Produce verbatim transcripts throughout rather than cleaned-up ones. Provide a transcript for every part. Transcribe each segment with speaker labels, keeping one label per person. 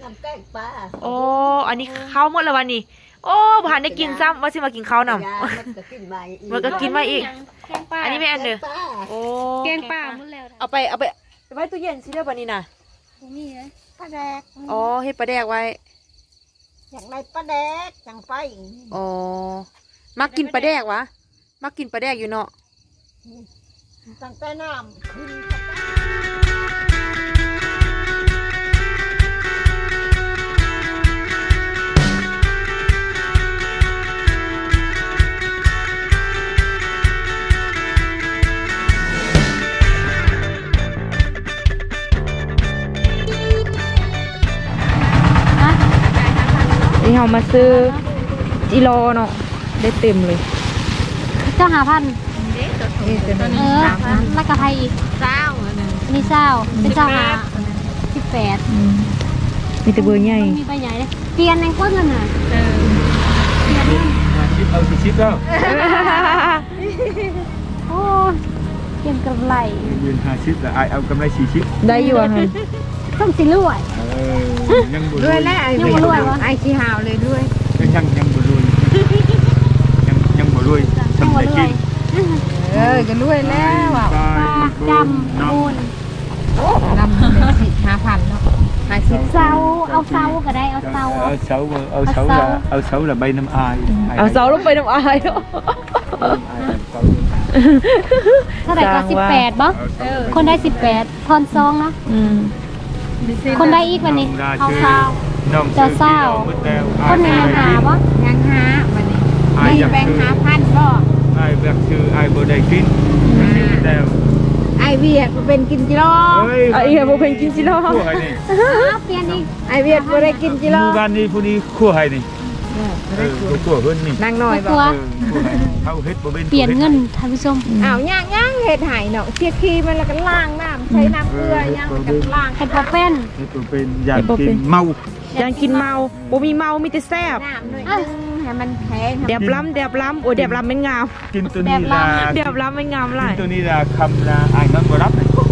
Speaker 1: น้ำแกงปลา
Speaker 2: โอ้อันนี้ข้าวหมดแล้ววันนี้โอ้ผ่านได้กินซ้ำว่าสิมากินข้าวนำ
Speaker 1: มันก็กินมาอีก
Speaker 2: มันก็กินมาอีก
Speaker 3: แกงป่า
Speaker 2: อันนี้ไม่อันเด้อโอ้
Speaker 3: แกงป่าหมดแล้ว
Speaker 2: เอาไปเอาไปไว้ตู้เย็นสิเด้อบัดนี้น่ะ
Speaker 3: บ่มีเลย
Speaker 1: ปลาแดก
Speaker 2: อ๋อเฮ็ดปลาแดกไว้
Speaker 1: อย่างไรปลาแดกจังไฟ
Speaker 2: อ๋อมักกินปลาแดกวะมักกินปลาแดกอยู่เนาะ
Speaker 1: ตั้งแต่น้ำขึ้น
Speaker 2: นี่เรามาซื้อจิโร่เนาะได้เต็มเลย
Speaker 3: เจ้าหาพัน
Speaker 2: นี่เป็น
Speaker 3: เออแล้วก็ไทยอีกเจ้านี่เจ้าเป็นเจ้าหาสิบแปด
Speaker 2: มีแต่เบอร์ใหญ่
Speaker 3: มีใบใหญ่เลยเปลี่ยนในก้นกันน่ะเออเปลี่ยนนั่น
Speaker 4: ชิปเอาสิชิปแล้ว
Speaker 3: โอ้เปลี่ยนกำไร
Speaker 4: ยืนหาชิปแต่ไอเอากำไรสี่ชิป
Speaker 2: ได้อยู่อะค่ะ
Speaker 3: ต้องสิรวย
Speaker 4: เออยังบุ
Speaker 1: ด้วยแล้ว
Speaker 3: ยังบ่รวยวะ
Speaker 1: ไอ้ชีหาวเลยด้วย
Speaker 4: ยังยังบุรวยยังยังบุรวย
Speaker 3: ยัง
Speaker 4: ทำ
Speaker 3: บ่
Speaker 4: ได้
Speaker 3: รว
Speaker 4: กิ
Speaker 3: ย
Speaker 4: น
Speaker 1: เออก็ด้วยแล้วอ่ะ
Speaker 4: ปลา
Speaker 3: ปลาจำมูล
Speaker 1: นำเป็นสิห้าพันเนาะห้าสิบ
Speaker 3: เสาเอาเสาก็ได้เอาเสา
Speaker 4: เอาเสาเอาเสาละเอาเสาละใบน้ำอาย
Speaker 2: เอาเสาลงไปน้ำอายเนาะ
Speaker 3: เท่าไหร่ก็
Speaker 2: จ้างว่า
Speaker 3: สิบแปดบ่คนได้สิบแปดทอนซองเนาะ
Speaker 2: อืม
Speaker 3: คนได้อีกวันนี้เอาเสา
Speaker 4: น้อง
Speaker 3: จะเศร้า คนในหาบ่
Speaker 1: ยังหาวันนี้
Speaker 4: ไอ้
Speaker 1: มี
Speaker 4: ยัง
Speaker 1: แบง
Speaker 4: คือ
Speaker 1: ค์ห้าพันก็
Speaker 4: ไอ้แบบคือไอ้บ่ได้กินแล้ว
Speaker 1: ไอเวียดเป็นกินจิโร่
Speaker 4: เฮ้ย
Speaker 2: เอาอีกบ่เป็นกินจิโร่
Speaker 4: คู่ให้นี่
Speaker 3: เอาเปลี่ยนอีก
Speaker 1: ไอเวียดก็ได้กินจิ
Speaker 4: ห
Speaker 1: โร่
Speaker 4: มู่บ้านนี้ผู้นี้คู่ให้นี่เออคู่เพิ่นนี่
Speaker 1: นางน้อย
Speaker 3: ก
Speaker 1: บอ
Speaker 3: ลั
Speaker 1: ก
Speaker 3: ว
Speaker 4: เขาเฮ็ดบ่เป็น
Speaker 3: เปลี่ยนเงินท่านผู้ชม
Speaker 1: อ้าวย่างย่างเห็ดหายเนาะเชียขี้มันแล้วก็ล้างน้ำใช้น้ำเกลือย่างมันก็ล้าง
Speaker 3: เห็ดบ่เป็น
Speaker 4: เฮ็ดบ่เป็นอยากกินเมา
Speaker 2: ยังกินเมาบ่มีเมามีแต่แซ่บ
Speaker 1: น้ำด้วยให้มันแข็ง
Speaker 2: เดียบล้ำเดียบล้ำโอ้เดียบล้ำเป็นงาม
Speaker 4: กินตัวนี้ล่ะ
Speaker 2: เดียบล้ำเป็นงามหลาย
Speaker 4: กินตัวนี้ล่ะคำละอ้ายนอนบ่รับ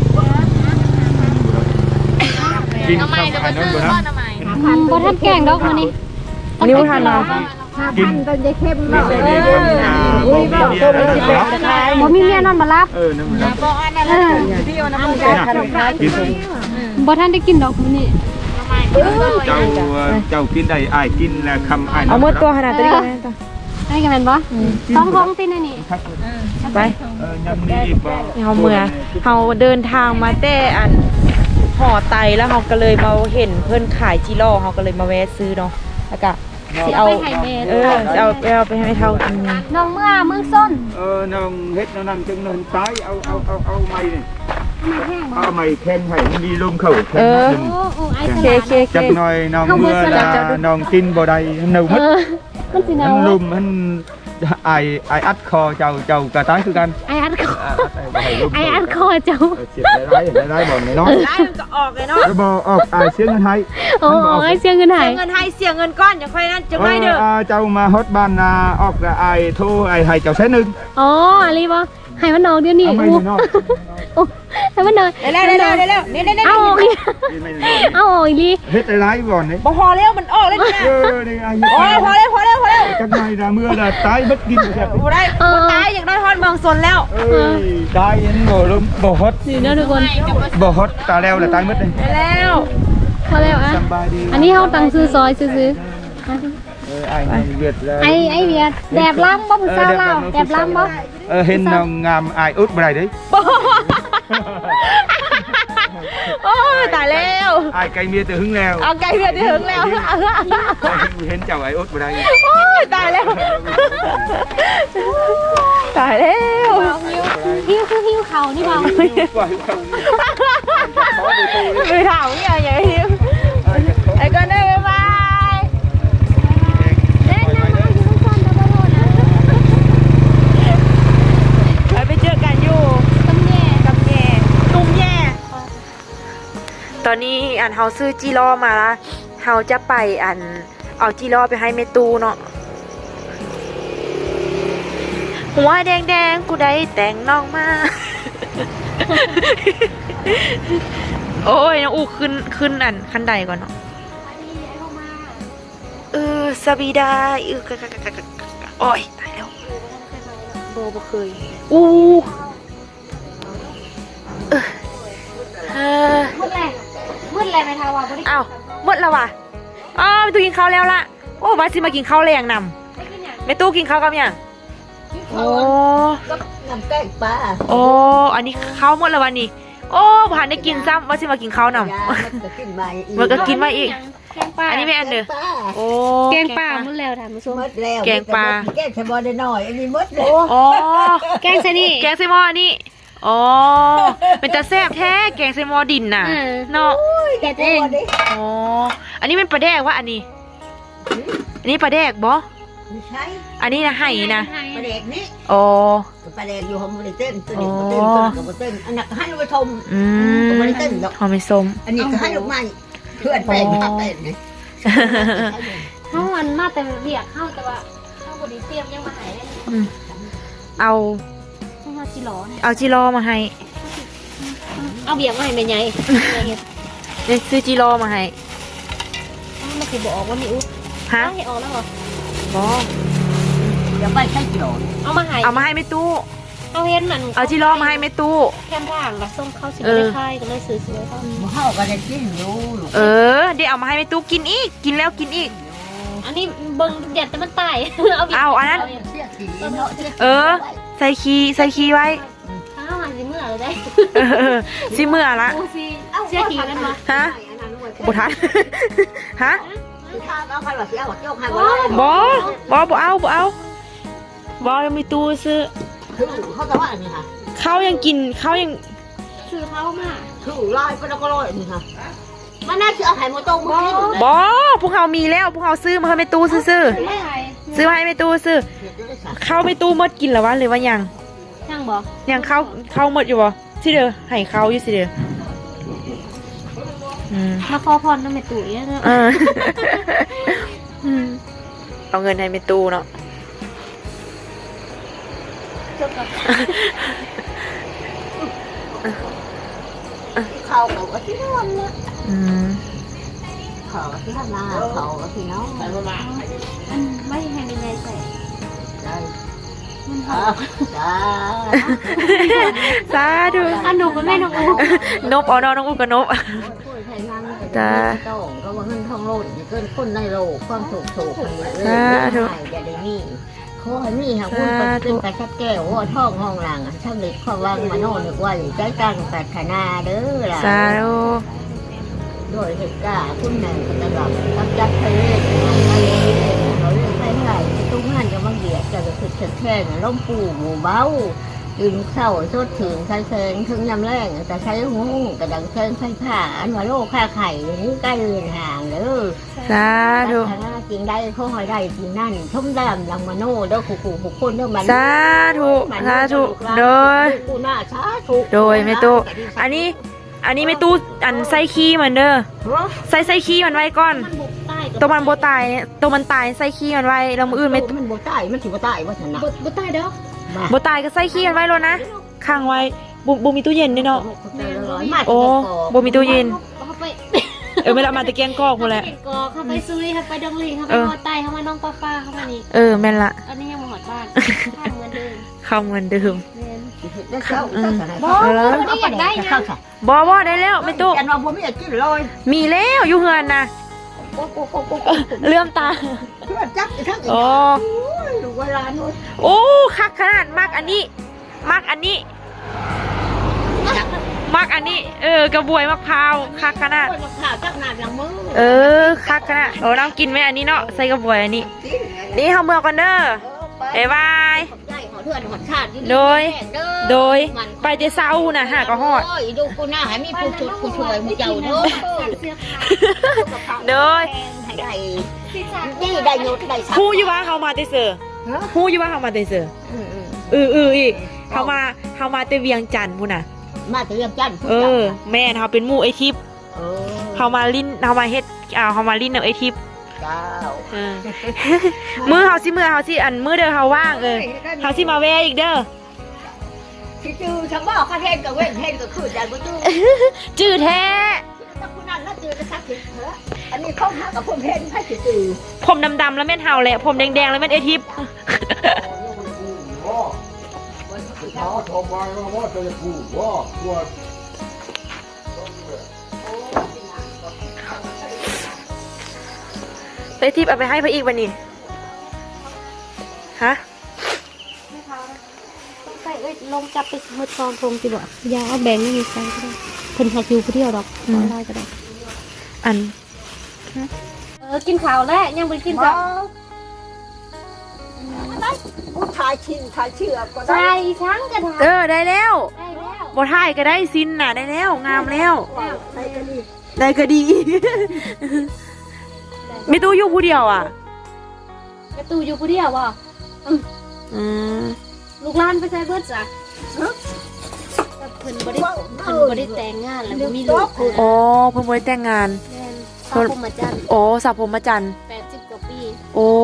Speaker 4: กินคำอ้ายนอนบ่รับ
Speaker 3: บ่ทันแกงดอกมื้อนี้
Speaker 2: อันนี้บ่ทันเนาะ
Speaker 1: ห้าพันตอนจะเข้ม
Speaker 4: นี่
Speaker 1: เนาะ
Speaker 4: ใส่
Speaker 1: เอ
Speaker 4: ใน
Speaker 1: อ
Speaker 4: คำนา
Speaker 1: อุ้ย
Speaker 4: บ่
Speaker 1: บอก
Speaker 4: มี
Speaker 1: ตัว
Speaker 4: เมีย
Speaker 1: มัน
Speaker 4: นอน
Speaker 1: สิ
Speaker 4: บ่
Speaker 1: เป็
Speaker 4: รับ
Speaker 1: น
Speaker 3: บ่มีเมียนอนบ่รับ
Speaker 4: เออนอนบ่รับ
Speaker 1: บอกอันนั้นแล้วพี่เอาน้ำมันจะทำได้กิน
Speaker 3: บ่ทันได้กินดอกมื้อนี้
Speaker 4: เจ้าเจ้ากินได้อ้ายกินแล้วคำอ้ายน
Speaker 2: เอา
Speaker 4: อน
Speaker 2: หม
Speaker 4: บ่
Speaker 2: ด
Speaker 4: รับ
Speaker 2: ตัวขนาดตัวนี้กันตัว
Speaker 3: ได้กันแม่นบ่ต้องท้องติในนี่
Speaker 2: ไป
Speaker 4: เออยำนี้อีกบ่
Speaker 2: เฮาเมื่อเฮาเดินทางมาแต่อันห่อไตแล้วเฮาก็เลยมาเห็นเพิ่นขายจิโร่เฮาก็เลยมาแวะซื้อเนาะแล้วก็สิเอา
Speaker 3: ไปให้แม่
Speaker 2: เออสิเอาไปเอาไปให้เท่ากิน
Speaker 3: น้องเมื่อมือส้น
Speaker 4: เออน้องเฮ็ดนั่นจังนอนตายเอาเอาเอาเอาไม้นี่
Speaker 3: มาแห้งบ่
Speaker 4: เอาไม้แข็งให้มันมีลมเข้าแข็ง
Speaker 2: เออ
Speaker 4: ขึ้น
Speaker 3: โอ้โอ้ไอ้
Speaker 2: โอ
Speaker 3: ส
Speaker 2: เค
Speaker 3: ลั
Speaker 2: โอเคโอเค
Speaker 4: จักหน่อยน้องเมื่อละน้องกินบ่ได้เน่าหม
Speaker 3: เอ
Speaker 4: ด
Speaker 3: อมันสิหนา
Speaker 4: มัน
Speaker 3: ว
Speaker 4: ลุมมันไอไออัดคอเจ้าเจ้ากระตายคือกัน
Speaker 3: ไอ้อัดคอ
Speaker 4: อ่าไอ้บ่ให้ลม
Speaker 3: ไอ้อัดคอเจ้า
Speaker 4: เออเจ็บได้ได้ได้บ่น้อย
Speaker 2: ได้มันก็ออกเลยเนาะ
Speaker 4: แล้วบ่ออกไอเสียงเงินให้
Speaker 3: โอ้ยเสียเงินหาย
Speaker 2: เสียเงินให้เสียเงินก้อนอย่าค่อยนั่นจังไรเด้อ
Speaker 4: เออเจ้ามาฮอดบ้านนาออกแล้วไอโทรไอให้เจ้าแสนนึง
Speaker 3: อ๋ออะไรบ่ให้มันนองเดี๋ยวนี้
Speaker 4: เอาไม่
Speaker 3: โอ้
Speaker 4: น้อย
Speaker 3: โอ้ให้มันนอน
Speaker 2: ได้แล้วได้แล้วได้แล้วนี่ได้ได้
Speaker 3: เอาออกอีก
Speaker 4: ไม่น้อย
Speaker 3: เอาออกอีกลี
Speaker 4: เฮ็ดหลายบ่นี่
Speaker 2: บ่พอแล้วมันออกเลยเนี่ย
Speaker 4: เออนี่ไอ้
Speaker 2: โอ้ยพอแล้วพอแล้วพอแล้ว
Speaker 4: จักหน่อยนะเมื่อละตายบัดกินแบบ
Speaker 2: บ่ได้บ่ตายอยากได้ฮอดเมืองสนแล้ว
Speaker 4: เอ้ยตายยันบ่ลมบ่ฮอด
Speaker 3: นี่เนาะทุกคน
Speaker 4: บ่ฮอดตาแล้วละตายหมดเลย
Speaker 2: ได้แล้ว
Speaker 3: พอแล้วอ่ะ
Speaker 4: สบายดี
Speaker 3: อันนี้เฮาตังซื้อซอยซื้อ
Speaker 4: เออไอ้เวียดแล้ว
Speaker 3: ๆไอ้ไอ้เวียดแดบล้ำบ่ผู้สาวลาวแดบล้ำบ่
Speaker 4: เออเห็นน้องงามอายอุดบ่ได้เด้
Speaker 2: โอ้ยตายแล้ว
Speaker 4: อายไกลเมียแต่หึงแล้ว
Speaker 2: เอาไก่เพื่อนที่ถึงแล้ว
Speaker 4: เห็นเจ้าไอ้อุดบ่ได้
Speaker 2: โอ้ยตายแล้วตายแล้ว
Speaker 3: หิวคือหิวเขานี่เบา
Speaker 4: ว่าเขา
Speaker 2: มือถามอย่างอย่างนี้ไอ้ก็ได้บ๊ายบายไปเจอกันอยู่กับแย่ตุ้มแย่ตอนนี้อันเฮาซื้อจีรอมาละเฮาจะไปอันเอาจีรอไปให้เมตูเนาะหัวแดงแดงกูได้แต่งน้องมา โอ้ยน้องอูขึ้นขึ้นอันขั้นใดก่อนเนาะสบีดาอือกะกะกะกะกะโอ้ยตายแล้วโบบ่เคยอู้เออเออ
Speaker 3: มืดแรงมืดแรงไหมคะว่าบ่ได้
Speaker 2: อ้าวหมดแล้วว่ะอ๋อไปตู้กินข้าวแล้วล่ะโอ้ว่าสิมากินข้าวแรงนำ
Speaker 3: ได้กินหยัง
Speaker 2: แม่ตู้กินข้าวกับหยังโอ้
Speaker 5: ก็น้ำแกงปลา
Speaker 2: โอ้อันนี้ข้าวหมดแล้ววันนี้โอ้ผ่านได้กินซ้ำว่าสิมากินข้าวนำ
Speaker 5: ยามันก็กินใบอีก
Speaker 2: มันก็กินมาอีก
Speaker 3: แกงปลา
Speaker 2: อันนี้ไม่อันเด้อ
Speaker 5: ปลา
Speaker 2: โอ้
Speaker 3: แกงปลามืดแล้วท่านผู้ชม
Speaker 5: หมดแล้ว
Speaker 2: แกงปลา
Speaker 5: แกงชะบอได้หน่อยอันนี้หมดแล้ว
Speaker 2: อ๋อ
Speaker 3: แกงซะนี่
Speaker 2: แกงไซมอนี่อ๋อเป็นตาแซ่บแท้แกงไซมอดินน่ะ
Speaker 3: เออ
Speaker 2: เนาะ
Speaker 3: เด็ดเอง
Speaker 2: อ๋ออันนี้เป็นปลาแดกวะอันนี้ อันนี้ปลาแดกบ่
Speaker 5: ไม่ใช่
Speaker 2: อันนี้นะไห่นะ
Speaker 5: ปลาแดกนี่
Speaker 2: อ๋อ
Speaker 5: ปลาแดกอยู่ห้องบริเต้นตัวนี้บริเต้นตัวนี้กับบริเต้นอันนั้นก็ให้ลูกไปชม
Speaker 2: อืม
Speaker 5: บริเต้นดอก
Speaker 2: หอมไม่ส้ม
Speaker 5: อันนี้ก็ให้ลูกใหม่เพื่อนแปลงมาแปลงนี่
Speaker 3: เฮามันมาแต่เรียกเฮาแต่ว่าเฮาบ่ได้เตรียมยังมาให้เลย
Speaker 2: อืมเอา
Speaker 3: เฮาสิหลอเนี่ย
Speaker 2: เอาจิโร่มาให้
Speaker 3: เอาเบียร์มาให้แม่ใหญ่แม่เฮ็ด
Speaker 2: เดี๋ยวซื้อจิโร่มาให้
Speaker 3: มันสิบ่ออกว่ามีอุ๊บ
Speaker 2: ฮะ
Speaker 3: ให้ออกแล้วบ่
Speaker 2: บ่
Speaker 5: อย่าไปใช้กิโล
Speaker 3: เอามาให้
Speaker 2: เอามาให้แม่ตู้
Speaker 3: เอาเห็นมัน
Speaker 2: เอาจิโร่มาให้แม่ตู้
Speaker 3: แค่ทางก็ส่งเข้าสิ
Speaker 2: เอ
Speaker 3: บ่
Speaker 2: อ
Speaker 3: ได้ค่ายก็เลยซื้อๆเขา
Speaker 5: หมูเฮาก็ได้กินอยู่ลูก
Speaker 2: เออเดี๋ยวเอามาให้แม่ตู้กินอีกกินแล้วกินอีก
Speaker 3: อันนี้เบิ่งเด็ดแต่มันตาย เอาเบียร์
Speaker 2: เอาอันนั้น
Speaker 5: เสียสีเนาะ
Speaker 2: เออ ใส่คีย์ใส่คีย์ไว้
Speaker 3: ถ้ามันสิเมื่อเลยได้
Speaker 2: เออเออสิเมื่อละ
Speaker 3: โอ้สิเสียทีกันวะ
Speaker 2: ฮะบ่ทัน ฮะ
Speaker 5: ถ้าเอาใครว่าสิเอาโยกให้
Speaker 2: บ่บ่บ่เอาบ่เอาบ่ยังมีตู้ซื้อ
Speaker 5: คือเขาจะว่าอันนี้ค่ะ
Speaker 2: เขายังกินเขายัง
Speaker 3: ซื้อเขามา
Speaker 5: คือลอยไปแล้วก็ลอยนี่ค่ะมันน่าจะเอาไข่โมโต้มากิน
Speaker 2: บ่พวกเขามีแล้วพวกเขาซื้อมาให้แม่ตู้ซื้อ
Speaker 3: ไม่ไหว
Speaker 2: ๆซื้อมาให้แม่ตู้ซื้อเข้าแม่ตู้หมดกินแล้ววะหรือว่ายัง
Speaker 3: ช่างบอก
Speaker 2: ยังเข้าเข้าหมดอยู่บ่สิเด้อให้เขาอยู่สิเด้ออืม
Speaker 3: มาขอพรน้ำเม็ดตุ๋ยเนาะ
Speaker 2: เอออืมเอาเงินให้แม่ตู้เนาะ
Speaker 5: เขาเขาก็ที่นอนละ
Speaker 2: อืม
Speaker 5: เขาก็ที่ทำนาเขาก็ที่น้อง
Speaker 3: อันไม่ให้มีในใส่
Speaker 5: ได้
Speaker 3: มันห
Speaker 5: จ้า
Speaker 3: อม
Speaker 5: จ้า
Speaker 2: สาธุ
Speaker 3: อันหนูมันไม่หนู
Speaker 2: นบเอาเนาะน้องอุ้มกับนบ
Speaker 5: พูดไทยนั่งก็ต้องก็ว่าเงินทองโลดเกินคนในโลกความสุขโศกเลยเอออย่าได้มีขอให้มีค่ะคุณเป็นกระชับแก้วว่าท้องห้องหลังช่างเด็กความวังมาโน่นนึกว่าใจตั้งปรารถนาเด้อล่ะ
Speaker 2: สาธุ
Speaker 5: โดยเหตุการณ์คุณแม่ก็ตลอดรับจัดทะเลทะเลเขาเรียกใครใครตุ้งหันจะมาเบียดจะจะคือแค่ๆล้มปูหมูเบ้ายืนเศร้าสดถึงใช้แสงถึงยำแรงแต่ใช้หูกระดังเชิงไฟผ้าอันว่าโลกค่าไข่นี้ใกล้เรือนห่างเด้อ
Speaker 2: สาธุ
Speaker 5: คณะจริงได้เขาหอยได้จริงนั่นชมดำลังมาโน่เด้อขู่ขู่ขู่คนเด้อมัน
Speaker 2: สาธุสาธุโดย
Speaker 5: กูน่าสาธุ
Speaker 2: โดยแม่ตู้อันนี้ อันนี้แม่ตู้อันใส่ขี้มันเด้อใส่ใส่ขี้มันไว้ก่อน
Speaker 3: มันบุกใต้
Speaker 2: ตัวมันโบตายเนี่ยตัวมันตายใส่ขี้มันไว้แล้วมืออื่นไม่
Speaker 5: มันบ่ตายมันสิบ่ตายว่าชนะ
Speaker 3: บุกบุกใต้เด้อ
Speaker 2: โบตายก็ใส่ขี้มันไว้แล้วนะค้างไว้บุบุมีตู้เย็นด้วยเนาะโอ้บุมีตู้เย็น
Speaker 3: เขาไป
Speaker 2: เออไม่ละมาตะเกียงกอกหมดแหละ
Speaker 3: กอเข้าไปซุยเข้าไปดงลิงเข้าไปหอดใต้เข้ามาน้องป้าป้าเข้ามานี่
Speaker 2: เออแม่นละ
Speaker 3: อันนี้ยังมาหอดบ้านข้างเหมือนเดิม
Speaker 2: เข้าเหมือนเดิม
Speaker 3: เรียน
Speaker 5: บ่
Speaker 2: เออ
Speaker 3: ไม่อยากได้นะ
Speaker 2: บอบอได้แล้วแม่ตู้
Speaker 5: กันว่าบ่มีอยากกินเลย
Speaker 2: มีแล้วอยู่เฮือนนะเลื่อมตา
Speaker 5: เพื่อจับทั้งอีก
Speaker 2: โอ้
Speaker 5: ดูเวลานู้น
Speaker 2: โอ้คักขนาดมากอันนี้มากอันนี้มากอันนี้ เออกระบวยมะพร้าวคักขนาด
Speaker 5: มะพร้าวจักหนาดหลังมือ
Speaker 2: เออคักขนาดโอ้น้องกินไหมอันนี้เนาะใส่กระบวยอันนี้ นี่เฮาเมื่อกันเด้อบ๊ายบาย
Speaker 5: ใหญ่ขอเถื่อนขอชาติ
Speaker 2: โดย โดยไปแต่เช้าน่ะหากระฮอด
Speaker 5: โอ้ยดูกูหน้าให้มีผู้ชุดผู้ช่วยผู้เจ้าเด้อ
Speaker 2: โดย
Speaker 5: ให้ได้นี่ได้ยศได้ทรัพย์
Speaker 2: ฮู้อยู่ว่าเฮามาแต่เสือฮู้อยู่ว่าเฮามาแต่เสือ
Speaker 5: อืม
Speaker 2: เออเอออีกเฮามาเฮามาแต่เวียงจันทน์พุ่นน่ะ
Speaker 5: ๆมาแต่เรื่องจันทร์ผู้
Speaker 2: เอ
Speaker 5: จ้า
Speaker 2: อ แม่นเฮาเป็นหมู่ไอทิพย์
Speaker 5: เออ
Speaker 2: เฮามาลิ้นเฮามาเฮ็ดอ่าเฮามาลิ้นกับไอทิพย์
Speaker 5: เจ้า
Speaker 2: เออ มื้อเฮาสิมื้อเฮาสิอันมื้อเด้อเฮาว่างเออเฮาสิมาแวะอีกเด้อ
Speaker 5: ที่จือฉันบอกข้าเทศกับเว้นเทศกับขืนใจกูจือ
Speaker 2: จื้อแท้
Speaker 5: ถ้าคุณนั่นแล้วจือจะสักสิเถอะอันนี้เขาหากับผมเห็นให้ตื่น
Speaker 2: ผมดำๆแล้วแม่นเฮาแหละผมแดงๆแล้วแม่นเอทิป
Speaker 4: เขาโทรมาว่าจะพูดว่าตัว
Speaker 2: เอทิปเอาไปให้พระอีกวันนี้ฮะ
Speaker 3: ใส่เอ้ยลงจับไปมือซองทงสิบ่ยาเอาแบ่งนี่ใส่ก็ได้เพิ่นหาคิวผู้เดียวดอกเอาได้ก็ได้
Speaker 2: อัน
Speaker 3: เออกินข้าวแล้วยังบ่ได้กินข้าว
Speaker 5: ผู้ชายชินชายเชื่อก็ได้
Speaker 3: ใส่ช้างกระถาง
Speaker 2: เออได้แล้ว
Speaker 3: ได้แล้ว
Speaker 2: บ่ถ่ายก็ได้ซินน่ะได้แล้วงามแล้ว
Speaker 5: ใครก็ดี
Speaker 2: ได้ก็ดี มีตู้อยู่ผู้เดียวอ่ะ
Speaker 3: กระตูอยู่ผู้เดียวบ่
Speaker 2: อืม
Speaker 3: ลูกหลานไปใส่เบิดจ้ะแต่เพิ่นบ่ได้เพิ่นบ่ได้แต่งงานแล้วบ่มีลูกเพิ่น
Speaker 2: อ๋อเพิ่งบ่ได้แต่งงาน
Speaker 3: แม่นสาวผมอาจารย์
Speaker 2: โอ้สาวผมมาจันทร์
Speaker 3: แปดสิบกว่าปี
Speaker 2: โอ้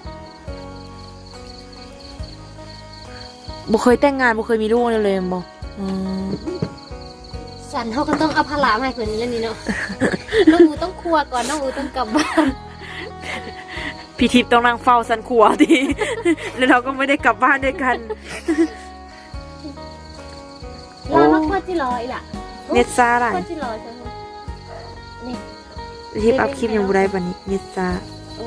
Speaker 2: บ่เคยแต่งงานบ่เคยมีลูกเลยเลยบ่อืม
Speaker 3: สันเฮาก็ต้องเอาภาระมาให้เพิ่นแล้วนี่เนาะ น้องอูต้องครัวก่อนน้องอูต้องกลับบ้าน
Speaker 2: พี่ทิพย์ต้องนั่งเฝ้าสันขัวที แล้วเราก็ไม่ได้กลับบ้านด้วยกัน
Speaker 3: ลามาครัวจิรออีหล่ะ
Speaker 2: เน็ตซ่าอะไร
Speaker 3: ครัวจิรอจังนี่
Speaker 2: พี่ทิพย์อัพคลิปยังบ่ได้บัดนี้เน็ตซ่า
Speaker 3: โอ้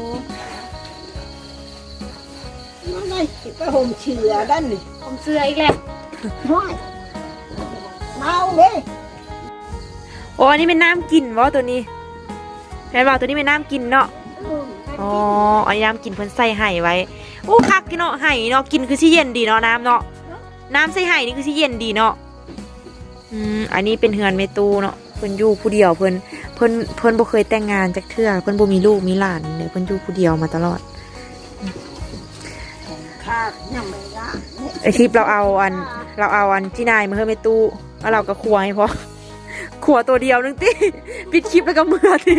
Speaker 5: ไม่ได้ไปห่มเชื่อด้านนี่
Speaker 3: ผมเสื้ออีกแล้ว
Speaker 5: ห้อยเมาเลย
Speaker 2: โอ้อันนี้เป็นน้ำกินวะตัวนี้แม่นบอกตัวนี้เป็นน้ำกินเนาะอ๋ออันนี้น้ำกินเพิ่นใส่ไห่ไว้โอ้คักกินเนาะไห่เนาะกินคือสิเย็นดีเนาะน้ำเนาะน้ำใส่ไห่นี่คือสิเย็นดีเนาะอืมอันนี้เป็นเฮือนเมตูเนาะเพิ่นอยู่ผู้เดียวเพิ่นเพิ่นเพิ่นบ่เคยแต่งงานจักเทื่อเพิ่นบ่มีลูกมีหลานเนี่ยเพิ่นอยู่ผู้เดียวมาตลอด
Speaker 5: ขาดยังไม่ได้
Speaker 2: ไอคลิปเราเอาอันเราเอาอันจีนายมาเฮือนเมตูแล้วเราก็ครัวให้พอ ครัวตัวเดียวนึงติ ปิดคลิปแล้วก็เมื่อติ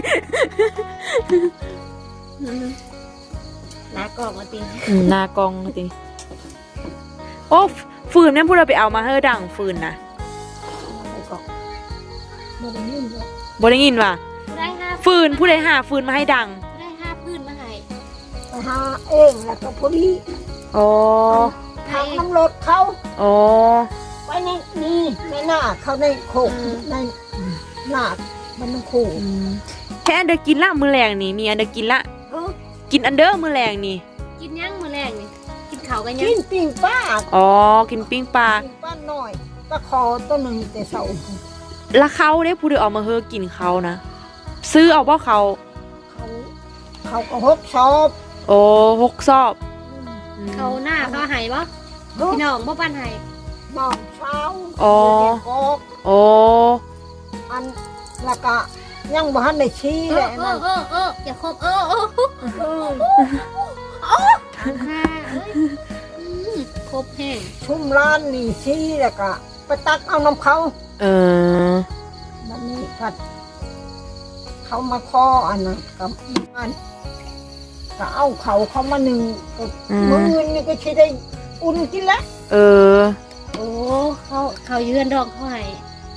Speaker 3: ลากอกมาติ
Speaker 2: อืมหน้ากองติโอ้ฟืนนั่นพูดเราไปเอามาเฮ้อดังฟืนนะ
Speaker 5: ไปก่อนไม่ได้ยินหรอก
Speaker 2: บ่ได้ยินว่ะ
Speaker 3: ผู้ได้ห้า
Speaker 2: ฟืนผู้ใดหาฟืนมาให้ดัง
Speaker 3: ผู้ได้ห้าพื้นมาให้
Speaker 5: ไปหาเองแล้วก็พอดี
Speaker 2: อ๋อ
Speaker 5: ทางน้ำรถเขา
Speaker 2: อ๋อ
Speaker 5: ไปในนี่ในหน้าเขาในโคกในหน้ามันน้ำโคก
Speaker 2: อืมแค่อันเดอร์กินละมือแรงนี่มีอันเดอร์กินละ
Speaker 5: เออ
Speaker 2: กินอันเดอร์มือแรงนี่
Speaker 3: กินย่างมื้อแรงนี่กินข้าวกันยัง
Speaker 5: กินปิ่งป้า
Speaker 2: อ๋อกินปิ้งปลา
Speaker 5: ปิ่งป้าหน่อยตะคอตัวหนึ่งแต่เสา
Speaker 2: แล้วเขาได้ผู้ใดเอามาเฮ้อกินเขานะซื้อเอาบ่เขา
Speaker 5: เขาเขาก็หกชอบ
Speaker 2: โอ้หกซอบอืม
Speaker 3: เขาหน้าเขาให้บ่
Speaker 5: เฮ้ย
Speaker 3: พี่น้องบ่ปานให้
Speaker 5: นอนเช้า
Speaker 2: อ๋อ
Speaker 5: เด็กกอก
Speaker 2: โอ้
Speaker 5: อันแล้วก็ยังบ้านในชี้
Speaker 3: เอ
Speaker 5: แห
Speaker 3: อ
Speaker 5: ละ
Speaker 3: เอ
Speaker 5: นั่
Speaker 3: อน เออเอออย่าคบเออเออ
Speaker 5: เออ
Speaker 3: ค่ะเอ้ยอืมครบแห้ง
Speaker 5: ชุ่มร้านนี่ชี้แล้วก็ไปตักเอาน้ำเขา
Speaker 2: เออ
Speaker 5: วันนี้กัดเขามาคออันนั้นกับอันก็เอาเขาเขามาหนึ่งก็มือนี่ก็ใช้ได้อุ่นกินแล้ว
Speaker 2: เออ
Speaker 3: โอ้เขาเขายืนดอกเขาให้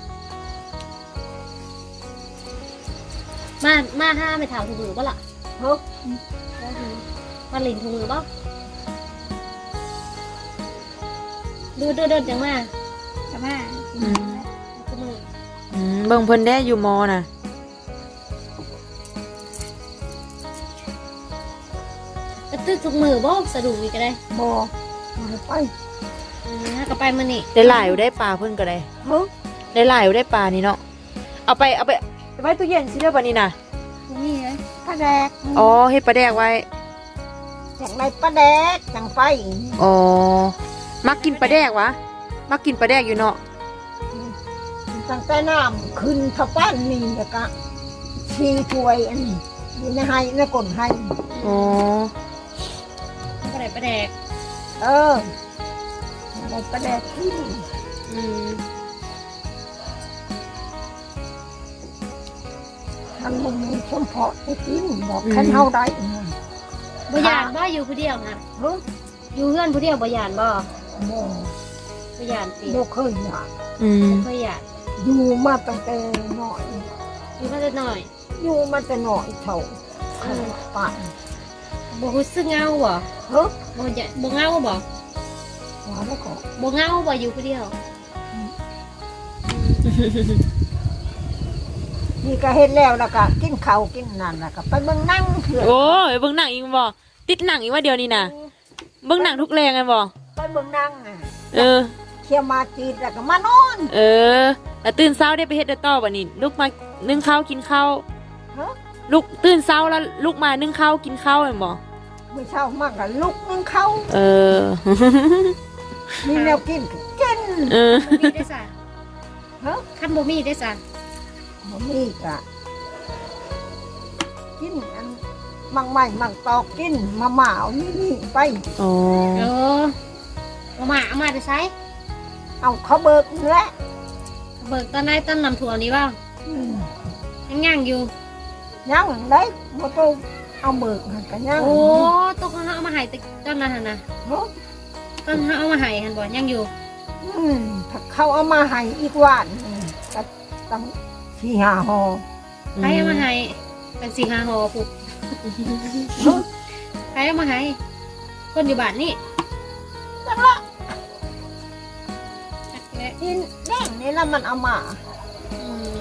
Speaker 3: มามาห้าไม่ถามถุงมือป่ะล่ะ
Speaker 5: เฮ้ย
Speaker 3: มาหลินถุงมือป่ะดูเดินเดินจังมาจังมา
Speaker 2: อืม
Speaker 3: ถุงมือ
Speaker 2: อืมเบิ่งเพิ่นได้อยู่มอน่ะ
Speaker 3: กระตึกถุงมือบ่สะดุ้งอีกก็ได้
Speaker 5: บอกมาไป
Speaker 3: อืมก็ไปมานี่
Speaker 2: ได้หลายอยู่ได้ปลาเพิ่นก็ได้
Speaker 5: เฮ้ย
Speaker 2: ได้หลายอยู่ได้ปลานี่เนาะเอาไปเอาไปไปไว้ตู้เย็นสิเด้อบัดนี้น่ะ
Speaker 3: นี่ไง
Speaker 5: ปลาแดก
Speaker 2: อ๋อเฮ็ดปลาแดกไว้
Speaker 5: อย่างไรปลาแดกจังไป
Speaker 2: อ๋อมักกินปลาแดกวะมักกินปลาแดกอยู่เนาะ
Speaker 5: ตั้งแต่น้ำขึ้นทะป้านนี่แล้วก็ชีถ้วยอันนี้อยู่ในไห้ในก้นไห้
Speaker 2: อ๋อ
Speaker 3: ก็ได้ประแดก
Speaker 5: เอออะไรปลาแดกที่
Speaker 2: อืม
Speaker 5: ทางมึงชมเพาะให้กินบอกแค่เท่าใดนะ
Speaker 3: บ่ยานบ่อยู่ผู้เดียวนะ
Speaker 5: เฮ้ย
Speaker 3: อยู่เพื่อนผู้เดียวบ่ยานบ่
Speaker 5: โม
Speaker 3: บ่ยานติ
Speaker 5: โมเคยอยาก
Speaker 2: อืม
Speaker 3: บ่ยาน
Speaker 5: อยู่มาตั้งแต่น้อย
Speaker 3: อยู่มาแต่น้อย
Speaker 5: ออยู่มันจะหน่อยเท่าป่าน
Speaker 3: บ่รู้สึกเหงาบ่
Speaker 5: เฮ้ย
Speaker 3: บ่จะบ่เหงาบ่
Speaker 5: หัวแล้วก็
Speaker 3: บ่เหงาบ่อยู่ผู้เดียว
Speaker 5: นี่ก็เห็นแล้วแล้วก็กินข้าวกินนั่นแล้วก็ไปเบิ่งหนั่งเถื่อน
Speaker 2: โอ้ยเบิ่งหนังอีกบ่ติดหนังอีกว่าเดียวนี่น่ะเบิ่งหนังทุกแรงกันบ่
Speaker 5: ไปเบิ่งหนั่งอ่ะ
Speaker 2: เออ
Speaker 5: เที่ยวมาจีดแล้วก็มานอน
Speaker 2: เออแล้วตื่นเช้าได้ไปเฮ็ดได้ต่อบ่นี่ลุกมานึ่งข้าวกินข้าว
Speaker 5: เฮ้ย
Speaker 2: ลุกตื่นเช้าแล้วลุกมานึ่งข้าวกินข้าวแม่นบ่
Speaker 5: เมื่อเช้ามากก็ลุกนึ่งข้าว
Speaker 2: เออ
Speaker 5: มีแนวกินก็กิน
Speaker 2: เออ
Speaker 3: บ่มีได้ซะ
Speaker 5: เฮ้ย
Speaker 3: คันบ่มีได้ซะ
Speaker 5: บ่มีก็กินอันมังใหม่มังตอกกินมาหมาเอานี่นี่ไป
Speaker 2: อ๋อ
Speaker 3: เออเอามาเอามาได้ใช้
Speaker 5: เอาเขาเบิกนี่แหละ
Speaker 3: เบิกตอนไหนตอนน้ำท่วมนี่บ่
Speaker 5: อืม
Speaker 3: ยังย่างอยู่
Speaker 5: ยังได้บ่ต้องเอาเบิกหันกันยัง
Speaker 3: โอ้ตกเขาเอามาให้ตตอนนั้นหั่นน่ะ
Speaker 5: เนาะ
Speaker 3: ตอนเขาเอามาให้หั่นบ่ยังอยู่
Speaker 5: อืมถ้าเขาเอามาให้อีกวันอืมก็ตั้งสี่ห้าห่อ
Speaker 3: ใครเอามาให้เป็นสี่ห้าห่อปุ๊บ
Speaker 5: เนาะ
Speaker 3: ใครเอามาให้คนอยู่บ้านนี่
Speaker 5: จังละ
Speaker 3: จักแหละ
Speaker 5: กินแดงนี่ละมันเอามา
Speaker 3: อืม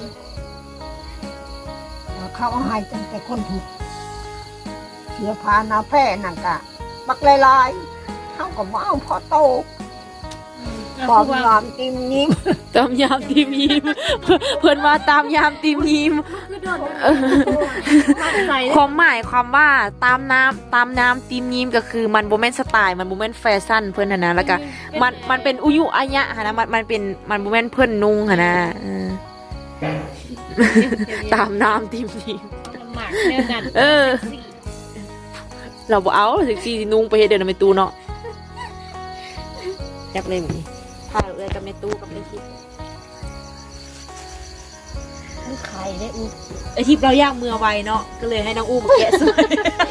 Speaker 5: เขาเอาให้จังแต่คนถูกเสียพานาแพร่นั่นกะบักลายๆเขาก็บ่เอาพอโต
Speaker 3: เอา
Speaker 5: ปอม
Speaker 3: คือว่า
Speaker 5: งามติมยิ้ม
Speaker 2: ตามยามทีมยิ้ม เพิ่นว่าตามยามทีมยิ้ม
Speaker 3: มั่นใจ
Speaker 2: ความหมายความว่าตามน้ำตามน้ำทีมยิ้มก็คือมันบ่แม่นสไตล์มันบ่แม่นแฟชั่นเพิ่นหั่นนะแล้วก็มันมันเป็นอุยุอายะหั่นนะมันมันเป็นมันบ่แม่นเพิ่นนุ่งหั่นนะเออตามน้ำทีมยิ้ม
Speaker 3: ลำบากเรื่องนั้น
Speaker 2: เออ เราบ่เอาสิสินุ่งไปเฮ็ดเดินไปตู้เนาะจักเลยแบบนี้พาเลยกับในตู้กับในคลิป
Speaker 3: มันไข่ได้อู้
Speaker 2: ไอทิปเราย่างมือไวเนาะก็เลยให้น้องอู้มาแกะสวย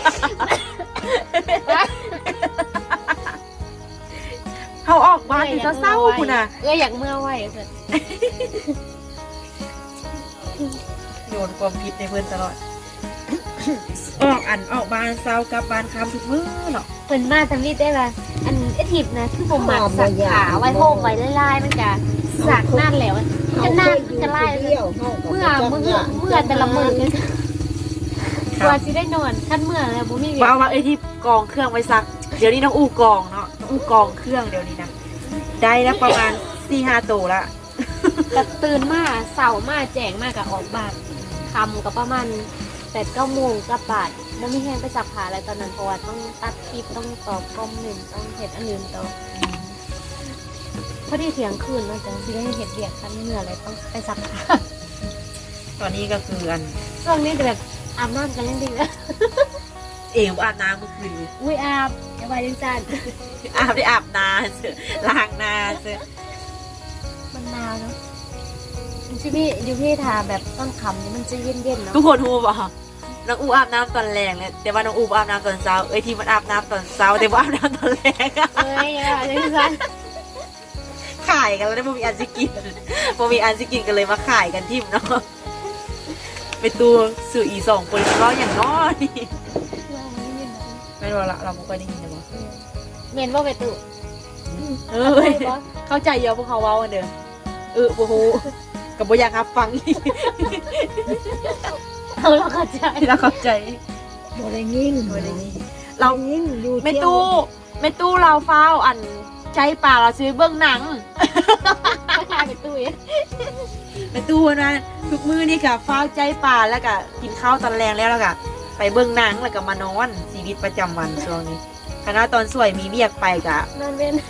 Speaker 2: เขาออกบ้านจะเศร้าคุณน่ะ
Speaker 3: เอออยากเมื่อไหวเพิ่น
Speaker 2: โยนความผิดในเพื่อนตลอด ออกอันออกบ้านเศร้ากับบ้านคำทุกมื้อเนาะ
Speaker 3: เพิ่นมาทำนี่ได้ป่ะอันไอทิพนะคือบ่มักสักขาไว้โฮมไว้ลายๆมันจะสักนั่นแล้วจะนั่นจะไล่
Speaker 5: เที่ยวเมื่
Speaker 3: เมื่อเมื่อเมื่อแต่ละมื้อเลยกว่าสิได้นอนคันเมื่อแล้วบ่มีเว
Speaker 2: ว่า
Speaker 3: ลา
Speaker 2: เอาว่าไอทิปกองเครื่องไว้ซัก เดี๋ยวนี้น้องอู้กองเนาะน้องอู้กองเครื่องเดี๋ยวนี้นะได้แล้วประมาณสี่ห้าตัวละ
Speaker 3: ก็ตื่นมาเช้ามาแจ้งมาก็ออกบ้านค่ำก็ประมาณแปดเก้าโมงกลับบ้านบ่มีแฮงไปซักผ้าอะไรตอนนั้นเพราะว่าต้องตัดคลิปต้องตอบคอมเมนต์ต้องเฮ็ดอันอื่นต่อพอดีเที่ยงคืนเนาะจังสิได้เฮ็ดเวียกคันเมื่ออะไรต้องไปซักผ้า
Speaker 2: ตอนนี้ก็คืออัน
Speaker 3: ช่วงนี้แบบอาบน้ำกันยังดีเลย
Speaker 2: เองอาบน้ำเมื่อคืนนี้
Speaker 3: อุ้ยอาบอย่าไปยังจัน
Speaker 2: อาบได้อาบน้ำเสือล้างหน้าเสือ
Speaker 3: มันหนาวเนาะมันจะมีอยู่ที่ทาแบบต้นคำนี่มันจะเย็นๆเนาะ
Speaker 2: ทุกคนรู้ป่ะน้องอูอาบน้ำตอนแรงเลยแต่ว่าน้องอูอาบน้ำตอนเช้าเอ้ยที่มันอาบน้ำตอนเช้าแต่ว่าอาบน้ำตอนแรง
Speaker 3: เอ้ยอย่าไปยังจัน
Speaker 2: ขายกันแล้วได้บ่มีอันสิกินบ่มีอันสิกินกันเลยมาขายกันทิมเนาะไปตัวสื่ออีสองคนก็อย่างน้อยไม่รู้ละเราไม่ค่อยได้ยินเลยมั้ง
Speaker 3: เมนว่าไปตุ
Speaker 2: เออเข้าใจเยอะพวกเขาเว้ากันเด้อเออโอ้โหกับบ่อยากรับฟังอีก
Speaker 3: เอาเราเข้าใจ
Speaker 2: เราเข้าใจ
Speaker 5: บ่ได้ยิน
Speaker 2: บ่ได้ยิน
Speaker 5: เรายินอยู่
Speaker 2: ไม่
Speaker 5: เที่ยว
Speaker 2: ตู้ไม่ตู้เราเฝ้าอันใช้ป่าเราซื้อเบื้องหนัง
Speaker 3: เข้าใจไปตุย
Speaker 2: ไปตู้นะทุกมื้อนี่ค่ะเฝ้าใจป่าแล้วก็กินข้าวตอนแรงแล้วแล้วก็ไปเบื้องหนังแล้วก็มานอนชีวิตประจำวันช่วงนี้คณะตอนสวยมีเบียกไปกะ
Speaker 3: นอนเว้น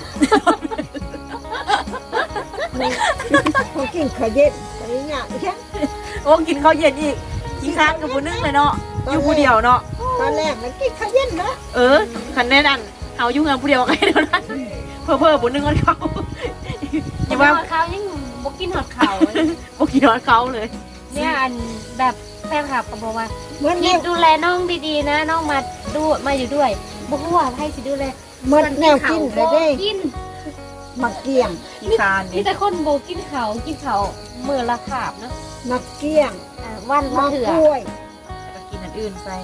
Speaker 5: เขากินข้าวเย็นไปเนี่ยแค่
Speaker 2: โอ้กินข้าวเย็นอีกขี้ค้านกับผู้นึงเลยเนาะอยู่ผู้เดียวเนาะ
Speaker 5: ตอนแรกมันกินข้าวเย็นนะ
Speaker 2: เออคันแน่นั่นเอาอยู่เงินผู้เดียวกันเท่านั้นเพิ่อเพิ่อผู้นึงกันเขาอย่าว่า
Speaker 3: เขายังบกินหอดเข่า
Speaker 2: บ่กินนอนเขาเลย
Speaker 3: เนี่ยอันแบบแฟนคลับก็บอกว่า
Speaker 5: เหมือน
Speaker 3: คิ
Speaker 5: เนี่
Speaker 3: ด
Speaker 5: ย
Speaker 3: ดูแลน้องดีๆนะน้องมาดูมาอยู่ด้วยบอกว่าให้สิดูแล
Speaker 5: เหมือนแนวกินเลยเด้
Speaker 3: กิน
Speaker 5: มาเกี้ยง
Speaker 2: ขี้คาน
Speaker 3: มี
Speaker 2: นี่
Speaker 3: แต่คนโบกินเขากินเขามือละขาบเนาะ
Speaker 5: มาเกี้ยง
Speaker 3: อ่าวันละ
Speaker 5: มา
Speaker 3: เถื่อก
Speaker 5: ล้วย
Speaker 2: แล้วก็กินอันอื่นใส่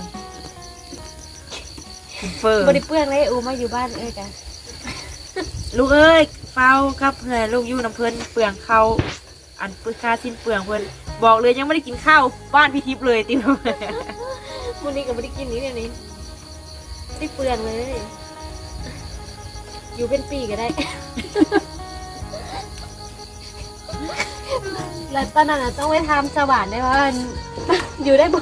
Speaker 2: กินเฟอร์
Speaker 3: บริเปลืองเลยอูมาอยู่บ้านเอ้ยกัน
Speaker 2: ลูกเอ้ยเฝ้ากับเพื่อนลูกอยู่น้ำเพิ่นเปลืองข้าวอันปึกค่าสิ้นเปลืองเพิ่นบอกเลยยังไม่ได้กินข้าวบ้านพี่ทิพย์เลยติว
Speaker 3: วันนี้ก็ไม่ได้กินนี้เดี๋ยวนี้ได้เปลืองเลย อยู่เป็นปีก็ได้ แล้วตอนนั้นอะต้องไปทำสว่านได้ว่า อยู่ได้บ่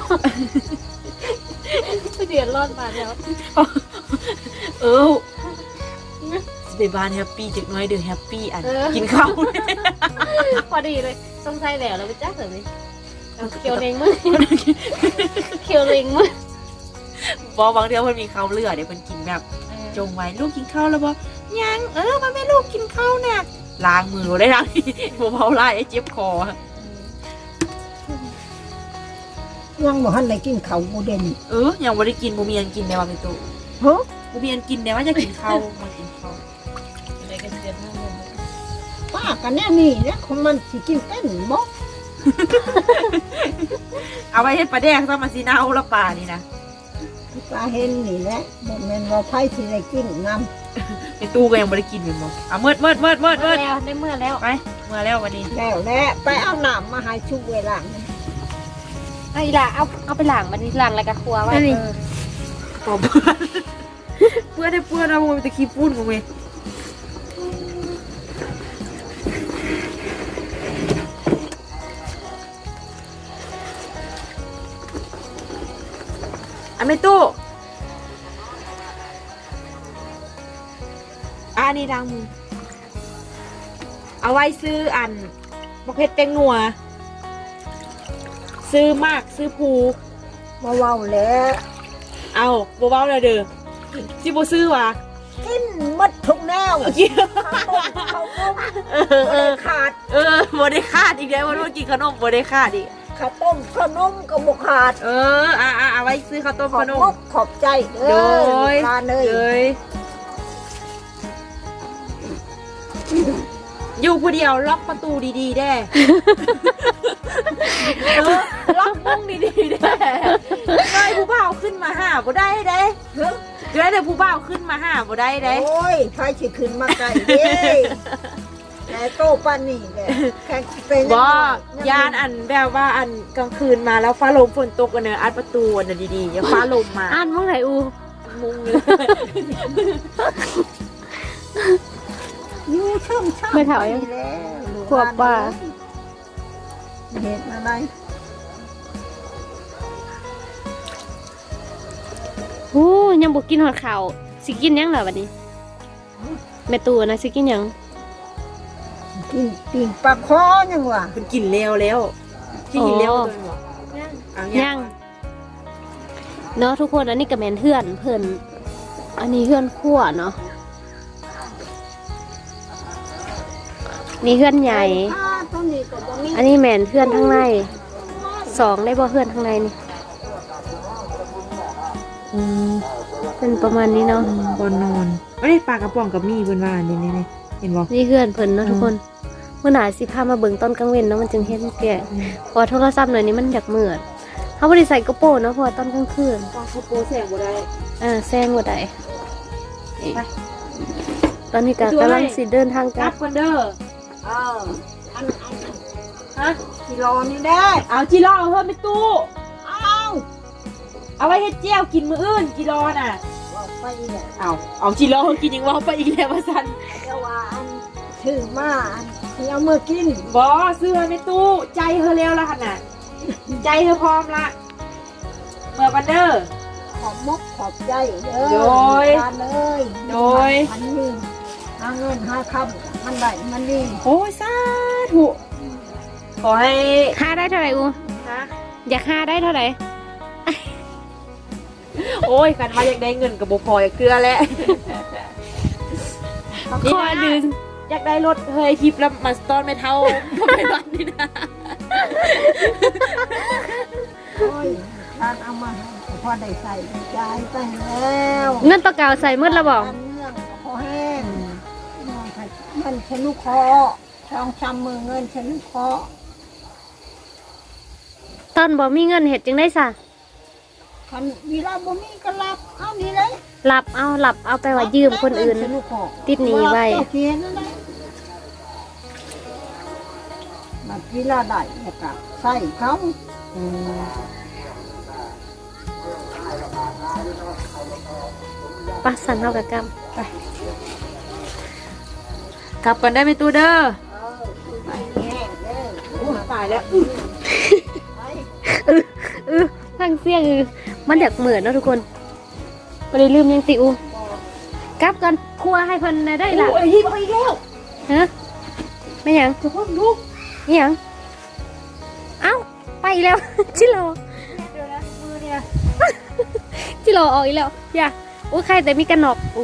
Speaker 3: เดือดร้อนมาแล้ว
Speaker 2: เออสเปบ้านแฮปปี้จักหน้อยเด้อแฮปปี้อัน
Speaker 3: เออ
Speaker 2: กินข้าว
Speaker 3: พอดีเลยต้องใส่แหล้วเราไปจ้าเสริมเลยเอาเคียวเลงมือ เคียวเลงมือ
Speaker 2: บอกบางเดือนเพิ่นมีข้าวเหลือเดี๋ยวเพิ่นกินแบบจงไว้ลูกกินข้าวแล้วบ่ยังเออมาแม่ลูกกินข้าวน่ะล้างมือได้ล้าง บ่เผาไล่ไอ้เจ็บคอ
Speaker 5: ยังบ่ทันได้กินข้าวบ่เด่น
Speaker 2: เออยังบ่ได้กินบ่มีอันกินแน่ว่าเป็นตู้
Speaker 5: เฮ้อ
Speaker 2: บ่มีอันกินแน่ว่าจะกินข้าวมากินข้าว
Speaker 3: อะไรกันเดือดมากเลย
Speaker 5: ป้ากันแน่นี่แหละของมันสิกินเป็นบ่
Speaker 2: เอาไว้เฮ็ดปลาแดกซะมาสินะเอาละปลานี่นะ
Speaker 5: ปลาเห็นนี่แหละบ่แม่นว่าไผสิได้กินนำ
Speaker 2: เป็นตู้ก็ยังบ่ได้กินแม่นบ่อ่ะเมิดเมิดเมิดเมิด
Speaker 3: เมื่
Speaker 2: เมิ
Speaker 3: อ
Speaker 2: ด
Speaker 3: แล้วได้เมื่อแล้ว
Speaker 2: ไปเมื่อแล้ววันนี้
Speaker 5: แล้วแหละไปเอาน้ำมาให้ชุบเวลา
Speaker 3: ไอ้ล่ะเอาเอาไปหลังมันหลังอะไรกับครัวไว้
Speaker 2: อันนี้ ปอบเปื้อนเปื้อนได้เปื้อนเอาไปตะขี้ปุ้นกูเว้ยอันไม่ตู้อันนี้ดังมือเอาไว้ซื้ออันบักเพ็ดแตงนัวซื้อมากซื้อภู
Speaker 5: มาเว้าแล้ว
Speaker 2: เอาบ่เว้าเลยเด้อสิบ่ซื้อวะ
Speaker 5: กินหมดทุกแนวข้าวต้ม
Speaker 2: เออเอ
Speaker 5: ข้าวต้มบ่
Speaker 2: อ
Speaker 5: ได้ขาด
Speaker 2: เออบ่ได้ขาดอีกแล้ววันว่ากินขนมบ่ได้ขาดอีก
Speaker 5: ข้าวต้มขนมก็บ่ขาด
Speaker 2: เอออ่ะอ่ะเอาไว้ซื้อข้าวต้ม
Speaker 5: ขอ
Speaker 2: ข
Speaker 5: บ
Speaker 2: น
Speaker 5: ม
Speaker 2: ม
Speaker 5: กขอบใจเด้
Speaker 2: โด
Speaker 5: อย ทานเลย
Speaker 2: เลยอยู่ผู้เดียวล็อกประตูดีๆแด้เออล็อกมุ้งดีๆแด้ได้ผู้บ่าวขึ้นมาหาบ่ได้เด้
Speaker 5: เฮ้ย
Speaker 2: เดี๋ยวได้ผู้บ่าวขึ้นมาหาบ่ได้เด้
Speaker 5: โอ้ยไผสิขึ้นมาไกลเด้แต่โตปานนี้แหละแค่เป็น
Speaker 2: บ่ยานอันแบบว่าอันกลางคืนมาแล้วฟ้าลมฝนตกกันเนอะอัดประตูอันนั้นดีๆอย่าฟ้าลมมา
Speaker 3: อ่านมั่งไหนอู
Speaker 2: มุงเลย
Speaker 5: อยู่ช่องช่อง
Speaker 3: ไม่เถายัง
Speaker 5: แล้ว
Speaker 3: ขวบป่า
Speaker 5: เห็ดอะไร
Speaker 3: โอ้ยังบุกินหอดข่าวสิกินยังเหรอวันนี้แม่ตูนะสิกินยัง
Speaker 5: กินปิ่งปลาคอยังวะ
Speaker 2: มันกินแล้วแล้วที่กินแล้วตัวหรอเอา
Speaker 3: ยังเนาะทุกคนอันนี้กับแมนเพื่อนเพื่อนอันนี้เพื่อนขั้วเนาะนี่เพื่อนใหญ่
Speaker 5: อ่าตัวนี้ก็บ่มี
Speaker 3: อันนี้แมนเพื่อนข้างในสองได้บ่เพื่อนข้างในนี่
Speaker 2: อืม
Speaker 3: เป็นประมาณนี้เนาะ
Speaker 2: บนนอนไม่ได้ปลากระป๋องกับมีบนว่านี่นี่เห็นบ่
Speaker 3: นี่เพื่อนเพิ่นเนาะทุกคนเมื่อหนาสิพามาเบิ่งตอนกลางเว้นเนาะมันจึงเห็นแก่เพอโทรศัพท์หน่อยนี้มันอยากมืดเขาบ่ได้ใส่กระโปรงเนาะเพราะว่าตอนกลางคืน
Speaker 2: ปลาคาโปแสงบ่ได้
Speaker 3: อ่าแซงบ่ได้นี่ตอนนี้ก็กำลังสิเดินทาง
Speaker 2: ก
Speaker 3: ก
Speaker 2: ลั
Speaker 3: ลั
Speaker 2: บบ กันเด้อ
Speaker 5: เอออันอันอัน
Speaker 2: ฮะ
Speaker 5: กิโลนี่ได้
Speaker 2: เอาจิรอเพิ่มไปตู้
Speaker 5: อ้าว
Speaker 2: เอาไว้เฮ็ดเจียวกินมื้ออื่นจิรอน่ะ
Speaker 5: ว่าไปเนี่ย
Speaker 2: เอาเอาจิรอกินยังว่าไปอีกแล้วว่าซั่น
Speaker 5: เดี๋ยวว่าอันถือมาอันที่เอามื่อกิน
Speaker 2: บ่ซื้อให้ในตู้ใจเธอแล้วล่ะหั่นน่ะใจเธอพร้อมละเมื่อกันเด้อ
Speaker 5: ขอบมกขอบใจเด้อ
Speaker 2: โดย
Speaker 5: ทานเลย
Speaker 2: โดย
Speaker 5: มันนี่หาเงินหาคำมันได้มันนี่
Speaker 2: โอ้ยสาธุขอให้
Speaker 3: ค่าได้เท่าไหร่อู
Speaker 2: ฮะ
Speaker 3: อยากค่าได้เท่าไหร่
Speaker 2: โอ้ยคันว่าอยากได้เงินกับบ่พออยากเกลือแล้ว
Speaker 3: ขอดืน
Speaker 2: อยากได้รถเฮ้ยทิปแล้วมาสตอนไม่เท่าไม่บ้านนี่นะ
Speaker 5: โอ้ยทานเอามาให้พอได้ใส่ใจายไปแล้ว
Speaker 3: เงินตัวเก่าใส่มืดแล้วบอก
Speaker 5: ทานเนื่องพอแห้งนอนไปเงินฉันลูกคอทองชำมือเงินฉันลูกคอ
Speaker 3: ตอนบ่มีเงินเฮ็ดจังได้ซะ
Speaker 5: คันเวลาบ่มีก็รับเอานี่เลย
Speaker 3: หลับเอาหลับเอาไปว่ายืมคนอื่น
Speaker 5: เงิฉัลูกคอ
Speaker 3: ติดหนี้ไว้
Speaker 5: เจ้าเขียนนั่นแหละบัดเวลาได้แล้วก็ใส่เขา
Speaker 2: อืม
Speaker 3: ปะสันเฮากับกรรม
Speaker 2: กลับกันได้ไหมตูเด้อ
Speaker 5: ไปแห้งเด้อ
Speaker 2: โอ้ตายแล้ว
Speaker 3: เออเออฟังเสียงเออมันอยากเหมือนเนาะทุกคนบ่ได้ลืมยังติอูกลับกันครัวให้เพิ่นได้ล่ะ
Speaker 2: โอ้ยหิบเอาอีกแล้ว
Speaker 3: ฮะไม่หยัง
Speaker 2: จะพ่อลูก
Speaker 3: ไม่หยังเอ้าไปอีกแล้ว ชิโล
Speaker 2: เดี๋ยวนะมือเนี่ย
Speaker 3: ชิโลออกอีกแล้วอย่าอู้ใครแต่มีกันหนอกอู้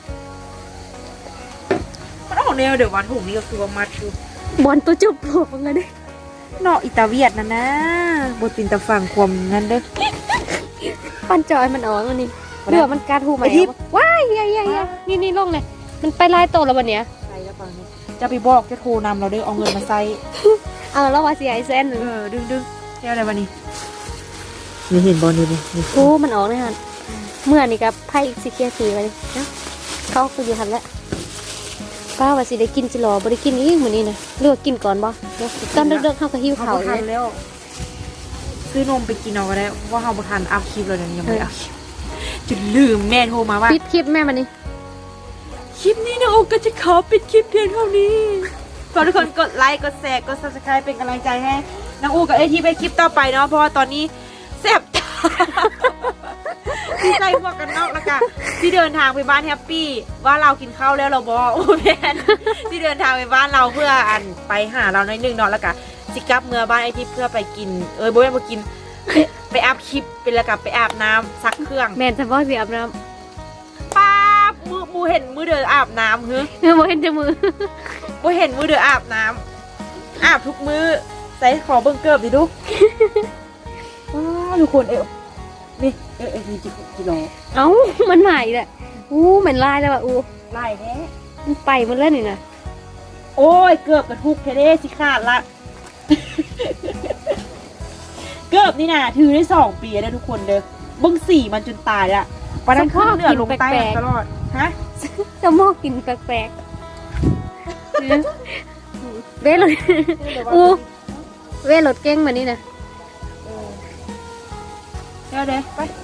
Speaker 2: มันออกแนวเดี๋ยววันถุงนี้ก็คือว่ามัดอยู่
Speaker 3: บอลตัวจุบโผล่มาเลย
Speaker 2: เนาะอิตาเวียดนั่นนะบตินตะฟังความนั่นเด้อ
Speaker 3: ปั้นจอยมันออกแล้วนี่
Speaker 2: บ่ได้
Speaker 3: เรือมันการหูใหม่
Speaker 2: ไอ้ทิพย์
Speaker 3: ว้ายเฮียเฮียเฮียนี่นี่ลงเลยมันไปลายโตแล้ววันเนี้ย
Speaker 2: ใช่แล้วฟังนี้จะไปบอกจะโทรนำเราเด้อเอาเงินมาใส่
Speaker 3: เอาแล้วว่าเสียไอเซน
Speaker 2: เออดึงดึงเที่ยวอะไรวะนี่นี่เห็นบอลนี่นี่
Speaker 3: โอ้มันออกเลยฮะเมื่อนี่กับไพ่อีกสิเกียร์สีไปเลยเนาะเขาไปอยู่หันแล้วป้าว่าสิได้กินจิรอบ่ได้กินอีกมื้อนี้นะเลือกกินก่อนบ่ตอนเด็กๆเขาก็หิว
Speaker 2: เขา
Speaker 3: ข้าว
Speaker 2: บ่
Speaker 3: เล
Speaker 2: ทัน
Speaker 3: ย
Speaker 2: แล้วซื้อนมไปกินเอาก็ได้ว่าเขาบ่ทันอัพคลิปเลยเนี่ยยังไม่ได้อัพคลิปจุดลืมแม่โทรมาว่า
Speaker 3: ปิดคลิปแม่มันนี่
Speaker 2: คลิปนี้นะโอก็จะขอปิดคลิปเพียงเท่านี้ฝากทุกคนกดไลค์กดแชร์กด ซับสไครบ์ เป็นกำลังใจให้น้องอูกับไอทีไปคลิปต่อไปเนาะเพราะว่าตอนนี้แซ่บตา ที่ใส่หมวกกันน็อกแล้วกันที่เดินทางไปบ้านแฮปปี้ว่าเรากินข้าวแล้วเราบอกโอ้แมนที่เดินทางไปบ้านเราเพื่ออันไปหาเราในอยหนึ่งเนาะแล้วกันสิกลับเมื่อบ้านไอทีเพื่อไปกินเออโบแม่นมากินไปไปอาบคลิปเป็นแล้วกับไปอาบน้ำซักเครื่อง
Speaker 3: แม่นจะบ่สิอาบน้
Speaker 2: ป้าบมือมูเห็นมือเดินอาบน้ำเฮ้ย
Speaker 3: ำเออบ่เห็นจะมือ
Speaker 2: มูเห็นมือเดินอาบน้ำอาบทุกมือใส่ขอเบิ่งเกิบดิลูกว้าวทุกคนเอวนี่เออเออจิจิโล
Speaker 3: เอ้ามันใหม่แหละอู้เหมือนลายแล้วว่ะอู้
Speaker 2: ไล่แท้
Speaker 3: มันไปหมันแล้วนี่นะ
Speaker 2: โอ้ยเกือบกระทุกเทเด้สิขาดละ เกือบนี่นะถือได้สองปีแล้วทุกคนเด้อเบิ้งสี่มันจนตายละวันนั้นขึ้นเหนือลงใต้ตลอดฮะ
Speaker 3: จะมอกกินแปลกๆเบ้รถอู้เบ้รถเก่งมานี่นะ
Speaker 2: เดี๋ยวเดี๋ยวไป